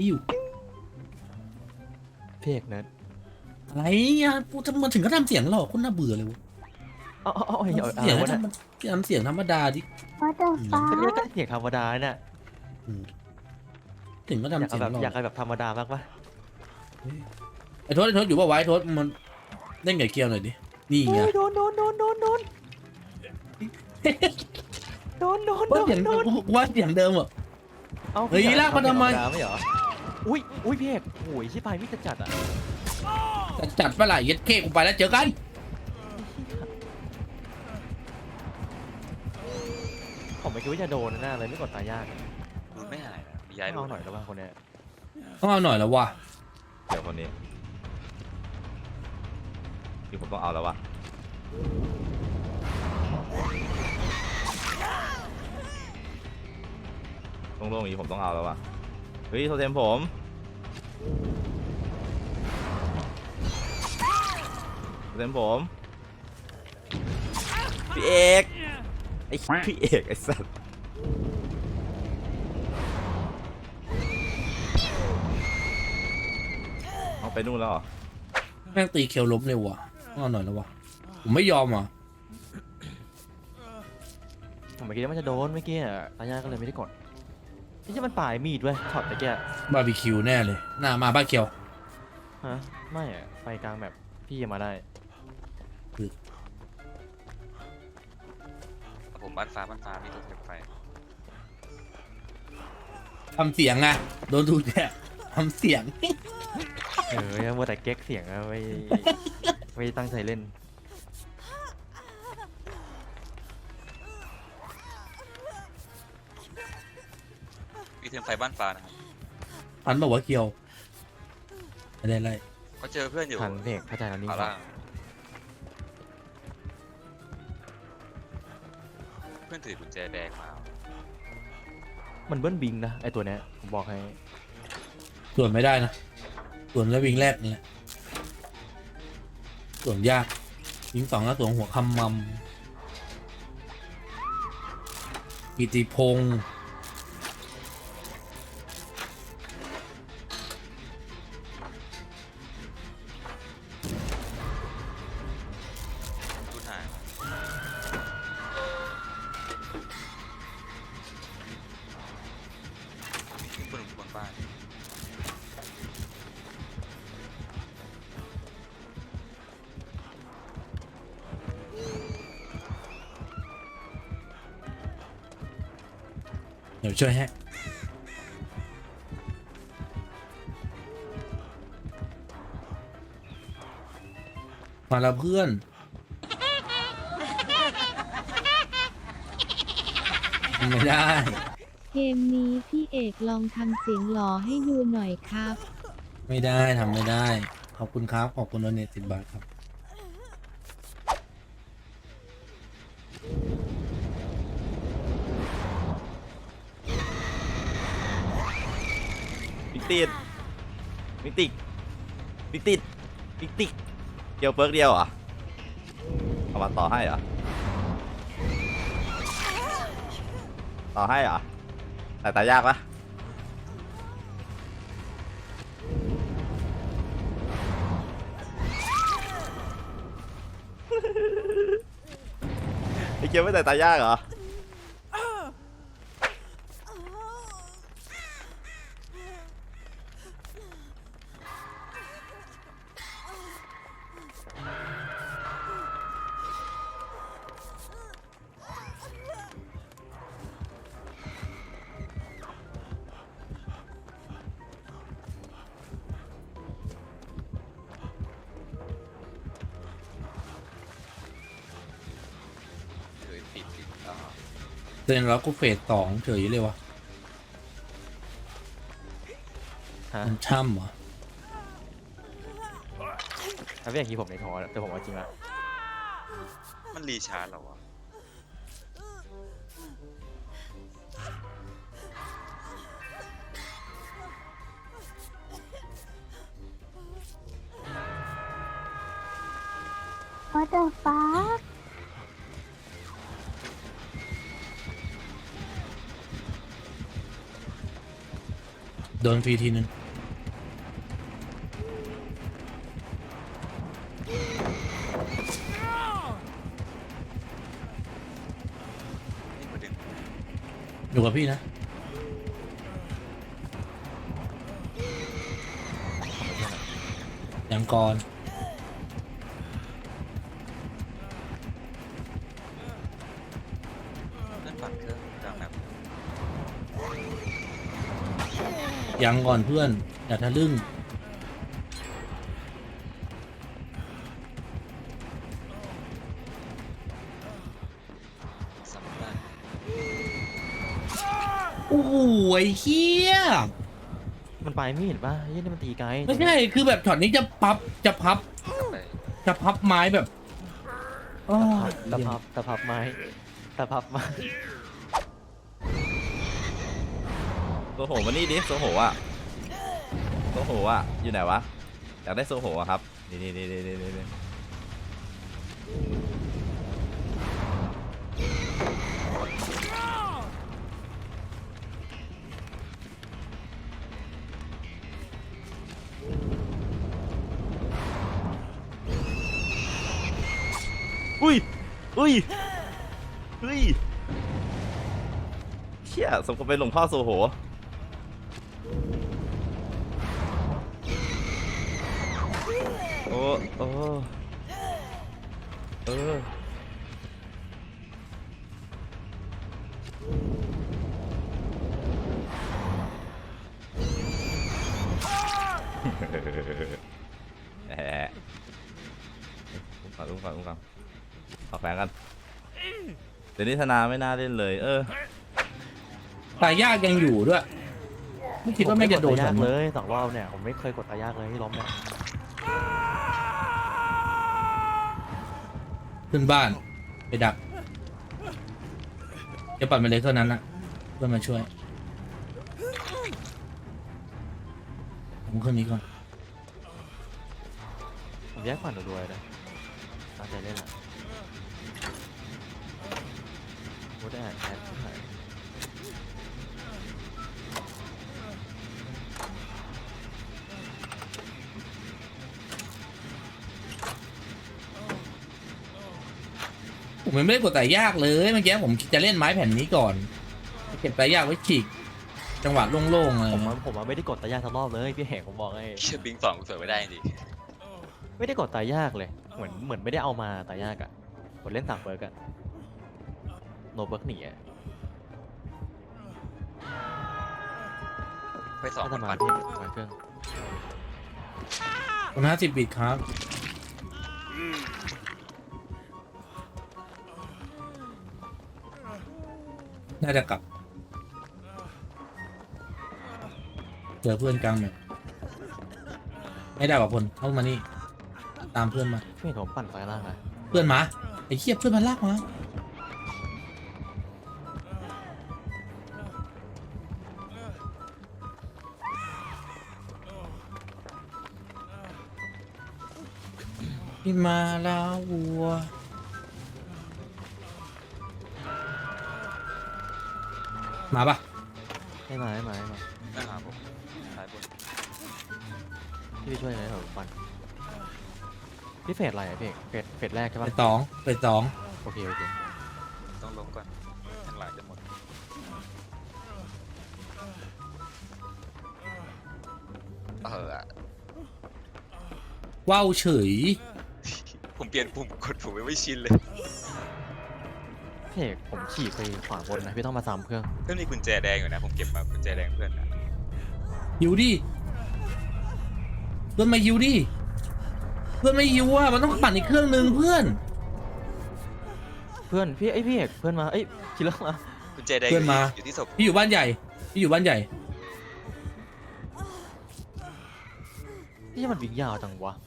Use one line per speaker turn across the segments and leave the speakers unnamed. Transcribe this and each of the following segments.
นี่อยู่
เพียกนะ
อะไรอ่ะกูจะมาถึงก็ทำเสียงหลอกคุณน่าเบื่อเลยวะเสียงเสียงธรรมดาดิ
What the
ก็
fuck
เรียกเสียงธรรมดาเนี่ย
ถึงก็
อยาก
ทำเสียงหลอก
อยากแบบธรรมดามากปะ
ไอ้โทษอยู่ว่าไว้โทษมันเล่นไก่เกียวหน่อยดินี่ไง
โดน
ว่าเสียงเดิมอ่ะ เฮ้ยลากมาทำไม
ไม่เหรออุ้ยพี่เอกโอ้ยชิบหายวิจัดอ่ะ
จัดปะไหล่เย็ดเค้กูไปแล้วเจอกัน
ผมไม่คิดว่าจะโดนนะเลยไม่กดตายยาก
ดูไม่หายนะมีย้าย
เอาหน่อยแล้วบ้างคนเนี้ย
ต้องเอาหน่อยแล้ววะ
เดี๋ยวคนนี้ที่ผมต้องเอาแล้ววะโล่งๆอย่างนี้ผมต้องเอาแล้ววะเฮ้ยโทเทมผมโทเทมผมพี่เอกไอ้พี่เอกไอ้สัสเอาไปนู่นแล้วเหรอ
แม่งตีเคียวล้มเลยวะต้องเอาหน่อยแล้ววะผมไม่ยอมอ่ะ
ผมไม่คิดว่ามันจะโดนเมื่อกี้ตายยากก็เลยไม่ได้กดนี่จะมันปลายมีดเว้ยช็อตตะเกีย
บาร์บีคิวแน่เลยหน้ามาบ้านเคียว
ฮะไม่อะไปกลางแบบพี่ยังมาได้
ผมบ้านฟ้ามีตัวเทปไฟ
ทำเสียงไงโดนดูแย่ทำเสียง
มัวแต่เก๊กเสียงอะไม่ตั้งใจเล่น
มีเทปไฟบ้านฟ้านะครับ
ทันบอกว่าเคียวอะไร
ก็เจอเพื่อนอยู่
ทันเด็กเข้าใจแล้วนี่
ขวาล่างเพื่อนถือกุญแจแดงมา
มันเบิ้ลบิงนะไอตัวเนี้ยผมบอกให้
ส่วนไม่ได้นะส่วนแล้ววิ่งแรกนี่แหละส่วนยากวิ่งสองแล้วส่วนหัวคำมัมกิติพงศ์
ทุนหายคนหนุ่มบนบ้าน
เดี๋ยวช่วยให้มาแล้วเพื่อนไม่ได้
เกมนี้พี่เอกลองทำเสียงหล่อให้ดูหน่อยครับ
ไม่ได้ทำไม่ได้ ขอบคุณครับ ขอบคุณโดเนท10 บาทครับ
บิ๊กติดบิ๊กติดบิ๊กติดบิ๊กติดเกี่ยวเปิร์กเดียวเหรอเอามาต่อให้เหรอต่อให้เหรอแต่ตายากปะไอเกี่ยวไม่แต่ตายากเหรอ
ติด
เตือนแล้วกูเฟส2เฉยเลยวะ
ฮะ
มันช่ำเหรอ
ถ้าเป็นอย่างนี้ผมในท้อแต่ผมเอาจริงละ
มันรีชาร์จเหรอวะ
What the fuck
โดนฟรีทีนึง
นี่มาดึง
อยู่กับพี่นะยังก่อน
เล่นปั่นเครื่องกลางแบบ
ยังก่อนเพื่อนอย่าทะลึ่ง
สำคัญ
โอ้โหไอ้เหี้ย
มันปลายมีดป่ะไอ้ยี่นี่มันตีไกล
ไม่ใช่คือแบบช็อตนี้จะพับ
กลับไป
ไม้แบบอ้อ
ตะพับไม้ตะพับไม้
โซโหมานี่ดิโซโหอ่ะโซโหอ่ะอยู่ไหนวะอยากได้โซโหอ่ะครับนี่อุ้ยเชี่ยสมกับเป็นหลวงพ่อโซโหโอ้แหมอุ้มก่อนขอแฝงกันเดี๋ยวนี้ธนาไม่น่าเล่นเลย
ตายยากยังอยู่ด้วยไม่คิดว่าไม่งจะโดน
ตายยาก
ฉัน
เลย2 รอบเนี่ยผมไม่เคยกดตายยากเลยที่ล้มเนี่ย
ขึ้นบ้านไปดักจะปัดมาเลยเท่านั้นนะเพื่อนมาช่วยผมขึ้นนี้ก่อน
ผมแยกปั่นรวยๆเลยตั้งใจเล่นแหละโคตรแอดที่ไหน
ผมยังไม่ได้กดตายยากเลยเมื่อกี้ผมจะเล่นไม้แผ่นนี้ก่อนเก็บตายยากไว้ฉีกจังหวะโล่งๆเลย
ผมไม่ได้กดตายยากทั้งรอบเลยพี่แหกผมบอกให้
เชื่อบิงสองกูเสิร์ฟไม่ได้จริง
ไม่ได้กดตายยากเลยเหมือนไม่ได้เอามาตายยากอะกดเล่น3 เบิร์กอะโนเบิร์กหนีอะ
ไปสอง
ถ้า
คน
จะมา
ปั่น
ที่มาเครื่อง
คน50 บิตครับน่าจะกลับเจอเพื่อนกลางแบบไม่ได้ป่ะพลเข้ามานี่ตามเพื่อนมา
ช่วยผมปั่นไฟล่างนะ
เพื่อนมาไอ้เหี้ยเพื่อนมันลากมาพี่มาลาวัวมาปะ
ให้มา
ไม่หาผมซ้ายบน
พี่ไปช่วยหน่อยผมปั่นพี่เฟสอะไรอะพี่เฟสแรกใช่
ไป
ปะ
สองไปสอง
โอเค
ต้องล้มก่อนข้างหลังจะหมดอะ
ว้าวเฉย
ผมเปลี่ยนปุ่มกดผมไม่ชินเลย
พี่เอกผมขี่ไปขวาบนนะพี่ต้องมาซ้ำเครื่อง
เพื่อนมีกุญแจแดงอยู่นะผมเก็บมากุญแจแดงเพื่อนนะ
หิวดิเพื่อนมาหิวดิเพื่อนไม่หิวอ่ะมันต้องปั่นอีกเครื่องนึงเพื่อน
พี่เอกเพื่อนมาคิดแล้วมา
กุญแจแดง
เพื่อนมา
อยู่ที่ศพ
พี่อยู่บ้านใหญ่พี่อยู่บ้านใหญ่
พี่มันวิ่งยาวจังวะ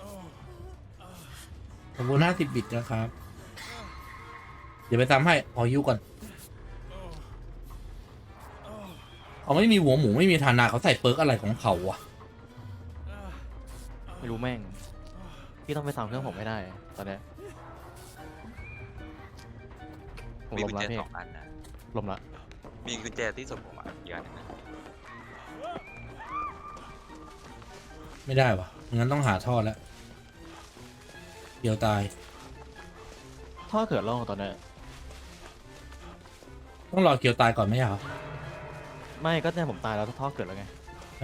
ผมบน50 บิตนะครับ เดี๋ยวไปซ้ำให้ขอหิวก่อนเขาไม่มีหัวหมูไม่มีฐานะเขาใส่เปิร์กอะไรของเขาวะ
ไม่รู้แม่งพี่ต้องไปซ้ำเครื่องผมไม่ได้ตอนเนี้ยผม
มี
ล
กุ
ม
ญ
ละ
แจ
พี่
2 อันนะ
ลมละ
มีกุญแจที่ศพผมอ่ะอีกอันหนึงนะ
ไม่ได้วะงั้นต้องหาท่อแล้วเดี๋ยวตาย
ท่อเกิดร่องตอนนี้น
ต้องรอเกียวตายก่อนไหมเหรอ
ไม่ก็เนี่ยผมตายแล้วท่อเกิดแล้วไง
ใช่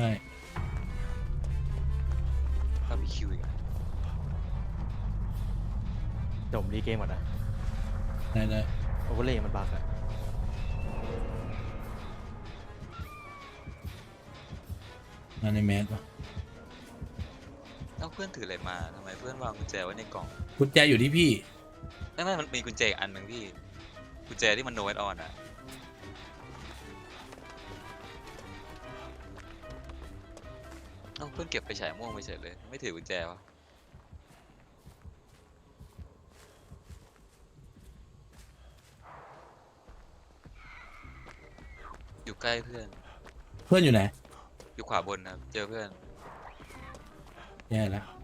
ถ้ามีคิวอีกอะ
เดี๋ยวผมรีเกมก่อนนะ
ได้
โอเวอร์เลย์มันบั๊กอะ
งานในแมสวะ
เอ้าเพื่อนถืออะไรมาทำไมเพื่อนวางกุญแจไว้ในกล่อง
กุญแจอยู่ที่พี่
ไม่มันมีกุญแจอีกอันหนึ่งพี่กุญแจที่มันโนเอออนอะเอ้าเพื่อนเก็บไปฉายม่วงไปเฉยเลยไม่ถือกุญแจวะอยู่ใกล้เพื่อน
เพื่อนอยู่ไหน
อยู่ขวาบนนะครับเจอเพื่อน
แย่แล้ว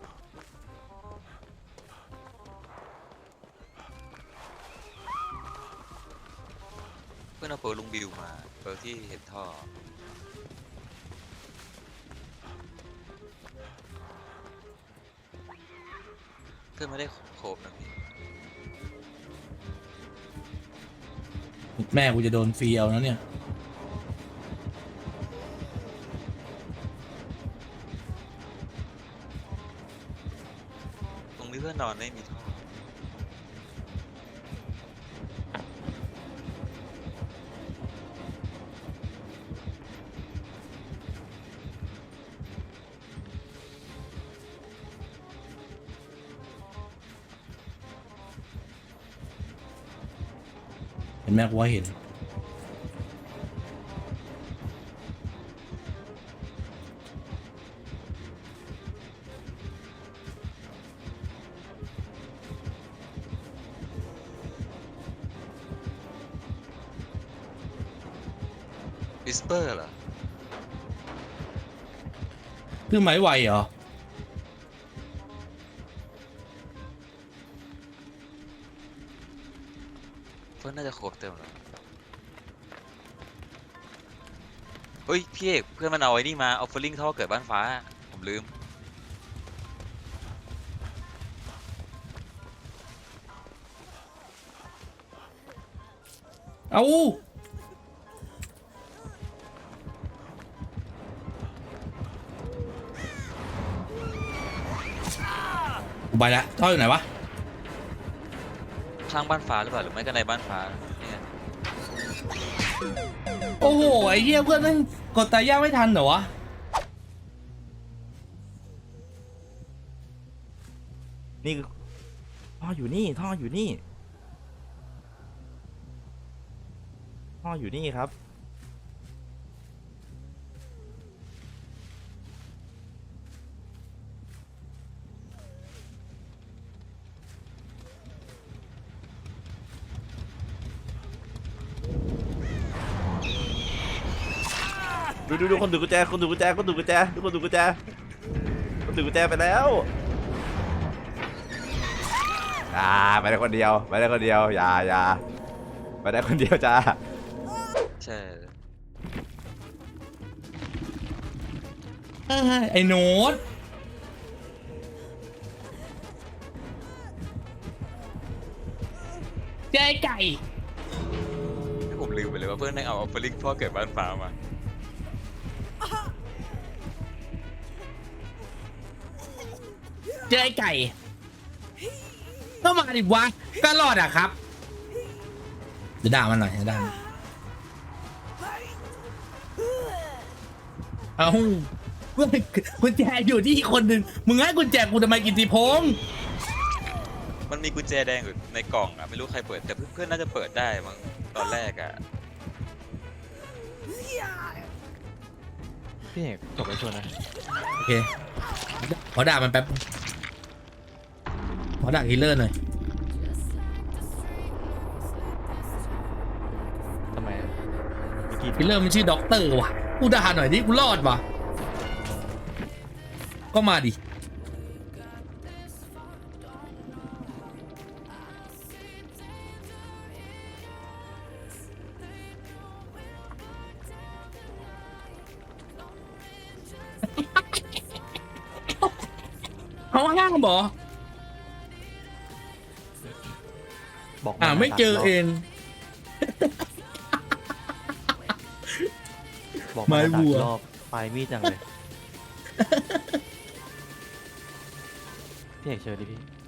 เพื่อนเอาเปิร์ลุงบิวมาเปิร์ที่เห็นท่อเพื่อนไม่ได้โคบนะพี่
แม่กูจะโดนฟรีเอานะเนี่ย
ตรงนี้เพื่อนนอนไม่มีท่อ
เห็นแม่กูว่าเห็น
วิสเปอร์เหรอ
คือไม้ไวเหรอ
เพื่อนน่าจะโคบเต็มแล้วเฮ้ยพี่เอกเพื่อนมันเอาไอ้นี่มาเอาฟลิงท่อเกิดบ้านฟ้าผมลืม
เอากูไปละท่ออยู่ไหนวะ
ข้างบ้านฟ้าหรือเปล่าหรือไม่ก็ในบ้านฟ้าเนี่ย
โอ้โห ไอ้เหี้ยเพื่อนนั่งกดตายย่างไม่ทันเหรอวะ
นี่คือท่ออยู่นี่ท่ออยู่นี่ท่ออยู่นี่ครับดูคนถือกุญแจคนถือกุญแจคนถือกุญแจดูคนถือกุญแจคนถือกุญแจไปแล้วไปได้คนเดียวไปได้คนเดียวอย่าไปได้คนเดียวจ้า
ใช่
ไอ้โน้ตเจ๊ไก่
ให้ผมลืมไปเลยว่าเพื่อนได้เอาฟลิงท่อเกิดบ้านฟ้ามา
เจ๊ไก่ ก็มาดิวะ ก็รอดอะครับ เดี๋ยวด่ามันหน่อยเดี๋ยวด่ามันเอาเพื่อนกุญแจอยู่ที่อีกคนหนึ่งมึงให้กุญแจกูทำไมกิตติพงษ์
มันมีกุญแจแดงอยู่ในกล่องอะไม่รู้ใครเปิดแต่เพื่อนน่าจะเปิดได้มั้งตอนแรกอะ
พี่เอกจบไปชวนนะ
โอเค ขอด่ามันแป๊บ ขอด่าคิลเลอร์หน่อย
ทำไมอะเมื่อกี้
คิลเลอร์มันชื่อด็อกเตอร์ว่ะ กูด่าหน่อยดิ กูรอดว่ะ ก็มาดิเขาห้ามเหรอ
บอก
ไม่เจอ
3 รบ
เอง
บอก
ไม้
มา
วัว
3 รอบปลายมีดจังเลย พี่เอกเชิญดิพี่